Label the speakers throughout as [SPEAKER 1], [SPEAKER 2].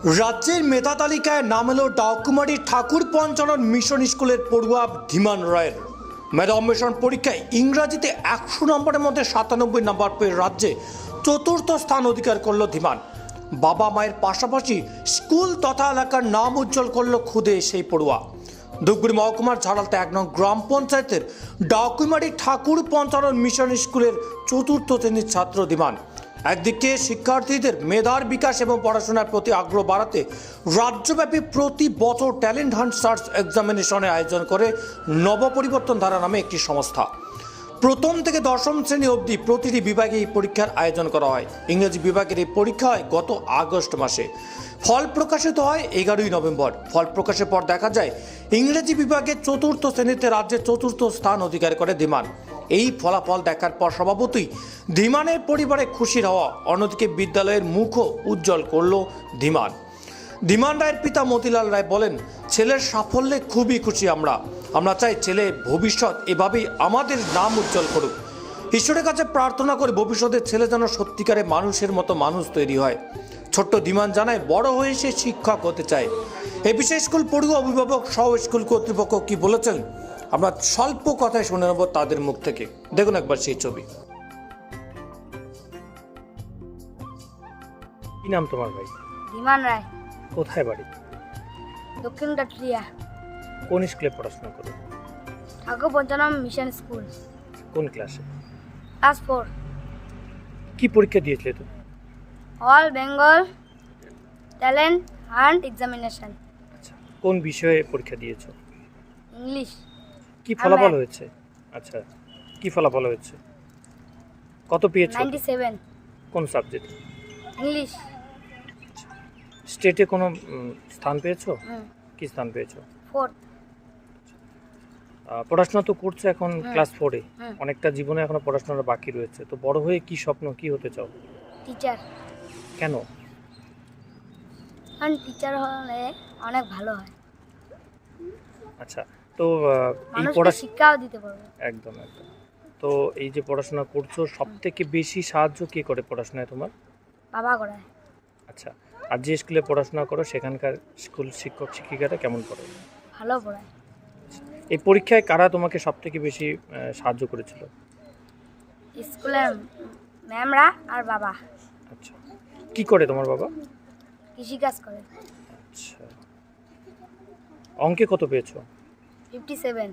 [SPEAKER 1] রাজ্যের মেধা তালিকায় নাম এলো ডাকুমারির ঠাকুর পঞ্চানন মিশন স্কুলের পড়ুয়া ধীমান রায়ের। মেধা অন্বেষণ পরীক্ষায় ইংরাজিতে 100 নম্বরের মধ্যে 97 নম্বর পেয়ে রাজ্যে চতুর্থ স্থান অধিকার করল ধীমান। বাবা মায়ের পাশাপাশি স্কুল তথা এলাকার নাম উজ্জ্বল করল খুদে সেই পড়ুয়া। ধূপগুড়ি মহকুমার ঝাড়ালতে 1 নং গ্রাম পঞ্চায়েতের ডাকুমারি ঠাকুর পঞ্চানন মিশন স্কুলের চতুর্থ শ্রেণীর ছাত্র ধীমান। একদিকে শিক্ষার্থীদের মেধার বিকাশ এবং পড়াশোনার প্রতি আগ্রহ বাড়াতে রাজ্যব্যাপী প্রতি বছর ট্যালেন্ট হান্ট সার্চ এক্সামিনেশনের আয়োজন করে নবপরিবর্তন ধারা নামে একটি সংস্থা। প্রথম থেকে দশম শ্রেণী অবধি প্রতিটি বিভাগে এই পরীক্ষার আয়োজন করা হয়। ইংরেজি বিভাগের এই পরীক্ষা হয় গত আগস্ট মাসে। ফল প্রকাশিত হয় 11ই নভেম্বর। ফল প্রকাশের পর দেখা যায় ইংরেজি বিভাগে চতুর্থ শ্রেণীতে রাজ্যের চতুর্থ স্থান অধিকার করে ধীমান। এই ফলাফল দেখার পর স্বভাবতই ধীমানের পরিবারে খুশির হওয়া। অন্যদিকে বিদ্যালয়ের মুখও উজ্জ্বল করল ধীমান। ধীমান রায়ের পিতা মতিলাল রায় বলেন, ছেলের সাফল্যে খুবই খুশি আমরা চাই ছেলে ভবিষ্যৎ এভাবেই আমাদের নাম উজ্জ্বল করুক। ঈশ্বরের কাছে প্রার্থনা করে ভবিষ্যতের ছেলে যেন সত্যিকারে মানুষের মতো মানুষ তৈরি হয়। ছোট্ট ধীমান জানায়, বড় হয়ে সে শিক্ষক হতে চায়। এই বিষয়ে স্কুল পড়ুয়া অভিভাবক সহ স্কুল কর্তৃপক্ষ কি বলেছেন আমরা স্বল্প কথায় শুনে নেব তাদের মুখ থেকে। দেখুন একবার সেই ছবি।
[SPEAKER 2] কি নাম তোমার ভাই?
[SPEAKER 3] ধীমান রায়।
[SPEAKER 2] কোথায় বাড়ি?
[SPEAKER 3] দক্ষিণ কাটরিয়া।
[SPEAKER 2] কোন স্কুলে পড়াশোনা করো?
[SPEAKER 3] Thakur Panchanan mission school.
[SPEAKER 2] কোন ক্লাসে?
[SPEAKER 3] ক্লাস 4।
[SPEAKER 2] কি পরীক্ষা দিয়েছিলে তুমি?
[SPEAKER 3] All Bengal talent hunt examination.
[SPEAKER 2] আচ্ছা, কোন বিষয়ে পরীক্ষা দিয়েছো?
[SPEAKER 3] ইংলিশ।
[SPEAKER 2] কি ফলাফল হয়েছে? আচ্ছা, কি ফলাফল হয়েছে? কত পেয়েছো?
[SPEAKER 3] 97।
[SPEAKER 2] কোন সাবজেক্ট?
[SPEAKER 3] ইংলিশ।
[SPEAKER 2] স্টেটে কোনো স্থান পেয়েছো? কি স্থান পেয়েছো?
[SPEAKER 3] 4th।
[SPEAKER 2] পড়াশোনা তো করছো এখন ক্লাস 4-এ। অনেকটা জীবনে এখনো পড়াশোনার বাকি রয়েছে, তো বড় হয়ে কি স্বপ্ন, কি হতে চাও?
[SPEAKER 3] টিচার।
[SPEAKER 2] কেন?
[SPEAKER 3] কারণ টিচার হলে অনেক ভালো হয়।
[SPEAKER 2] আচ্ছা, তো এই
[SPEAKER 3] মানুষকে শিক্ষাও দিতে পারবে।
[SPEAKER 2] একদম। তো এই যে পড়াশোনা করছো, সব থেকে বেশি সাহায্য কে করে পড়াশোনায় তোমার?
[SPEAKER 3] বাবা করায়।
[SPEAKER 2] আচ্ছা, আর যে স্কুলে পড়াশোনা করো সেখানকার স্কুল শিক্ষক শিক্ষিকারা কেমন পড়ায়?
[SPEAKER 3] ভালো পড়ায়।
[SPEAKER 2] এই পরীক্ষায় কারা তোমাকে সব থেকে বেশি সাহায্য করেছিল?
[SPEAKER 3] স্কুলের ম্যামরা আর বাবা।
[SPEAKER 2] আচ্ছা, কি করে তোমার বাবা?
[SPEAKER 3] কৃষিকাজ করে।
[SPEAKER 2] আচ্ছা, অঙ্কে কত পেয়েছো?
[SPEAKER 3] 57।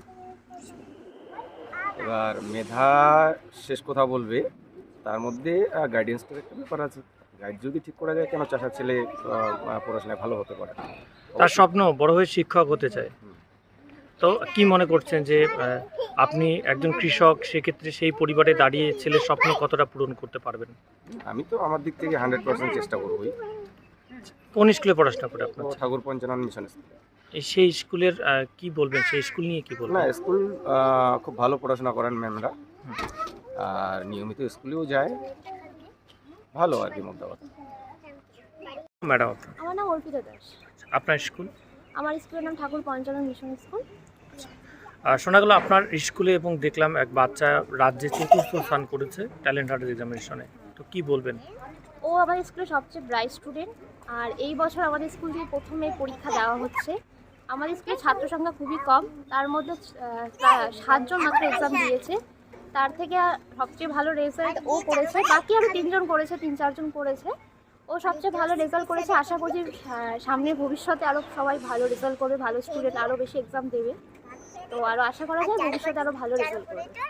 [SPEAKER 4] এবার মেধা শেষ কথা বলবে, তার মধ্যে গাইডেন্সটার একটা ব্যাপার আছে। গাইড যদি ঠিক করা যায়, কেন চাষার ছেলে পড়াশোনায় ভালো হতে পারে।
[SPEAKER 2] তার স্বপ্ন বড় হয়ে শিক্ষক হতে চায়। তো কি মনে করছেন যে আপনি একজন কৃষক, সেক্ষেত্রে সেই পরিবারে দাঁড়িয়ে ছেলের স্বপ্ন কতটা পূরণ করতে পারবেন?
[SPEAKER 4] আমি তো আমার দিক থেকে 100% চেষ্টা করবই।
[SPEAKER 2] কোন স্কুলে পড়াশোনা করে আপনার?
[SPEAKER 4] Thakur Panchanan mission school.
[SPEAKER 2] সেই স্কুলের কি বলবেন, সেই স্কুল নিয়ে কি
[SPEAKER 4] না,
[SPEAKER 2] বলবেন?
[SPEAKER 4] স্কুল খুব ভালো পড়াশোনা করেন ম্যামরা, আর নিয়মিত স্কুলেও যায়, ভালো আর কি মোদ্দা কথা।
[SPEAKER 2] ম্যাডাম,
[SPEAKER 5] আমার নাম অর্পিতা দাস।
[SPEAKER 2] আপনার স্কুল?
[SPEAKER 5] আমার স্কুলের নাম ঠাকুর পঞ্চানন মিশন স্কুল।
[SPEAKER 2] শোনা গেল আপনার স্কুলে, এবং দেখলাম এক বাচ্চা রাজ্যে চতুর্থ স্থান করেছে ট্যালেন্ট হান্ট এক্সামিনেশনে, তো কি বলবেন?
[SPEAKER 5] ও আমাদের স্কুলের সবচেয়ে ব্রাইট স্টুডেন্ট, আর এই বছর আমাদের স্কুল থেকে প্রথমে পরীক্ষা দেওয়া হচ্ছে। আমাদের স্কুলের ছাত্র সংখ্যা খুবই কম, তার মধ্যে 7 জন মাত্র এক্সাম দিয়েছে। তার থেকে সবচেয়ে ভালো রেজাল্ট ও করেছে। বাকি আরও 3 জন করেছে, 3-4 জন করেছে। ও সবচেয়ে ভালো রেজাল্ট করেছে। আশা করছি সামনে ভবিষ্যতে আরও সবাই ভালো রেজাল্ট করবে, ভালো স্টুডেন্ট আরও বেশি এক্সাম দেবে। তো আরও আশা করা যায় ভবিষ্যতে আরও ভালো রেজাল্ট করবে।